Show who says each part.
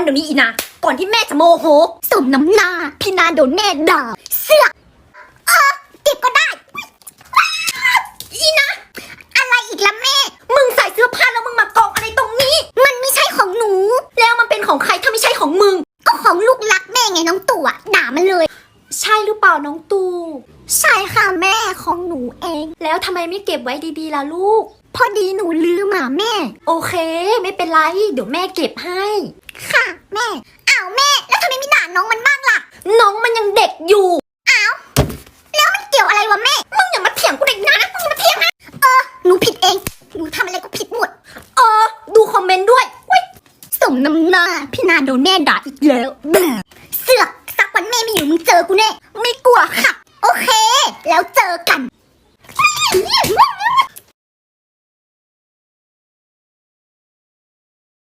Speaker 1: ดี๋ยวนี้อีนาก่อนที่แม่จะโมโห
Speaker 2: สมน้ำหน้าพี่นาโดนแม่ด่าเสือกเก็บก็ได้
Speaker 1: อีนะ
Speaker 2: อะไรอีกล่ะแม่
Speaker 1: มึงใส่เสื้อผ้าแล้วมึงมากองอะไรตรงนี้
Speaker 2: มันไม่ใช่ของหนู
Speaker 1: แล้วมันเป็นของใครถ้าไม่ใช่ของมึง
Speaker 2: ก็ของลูกรักแม่ไงน้องตู่ด่ามันเลย
Speaker 1: ใช่หรือเปล่าน้องตู
Speaker 2: ใช่ค่ะแม่ของหนูเอง
Speaker 1: แล้วทำไมไม่เก็บไว้ดีๆล่ะลูก
Speaker 2: พอดีหนูลืมแม่
Speaker 1: โอเคไม่เป็นไรเดี๋ยวแม่เก็บให้
Speaker 2: ค่ะแม่อ้าวแม่แล้วทำไมไม่ด่าน้องมันบ้างล่ะ
Speaker 1: น้องมันยังเด็กอยู่
Speaker 2: อ้าวแล้วมันเกี่ยวอะไรวะแม่
Speaker 1: มึงอย่ามาเถียงกูเด็กนะมึงอย่ามาเถียงนะ
Speaker 2: หนูผิดเองหนูทำอะไรก็ผิดหมด
Speaker 1: ดูคอมเมนต์ด้วย
Speaker 2: สมน้ำหน้าพี่นาโดนแม่ด่าอีกแล้วเสือกสักวันแม่ไม่อยู่มึงเจอกูแน่ไม่กลัวค่ะโอเคแล้วเจอกัน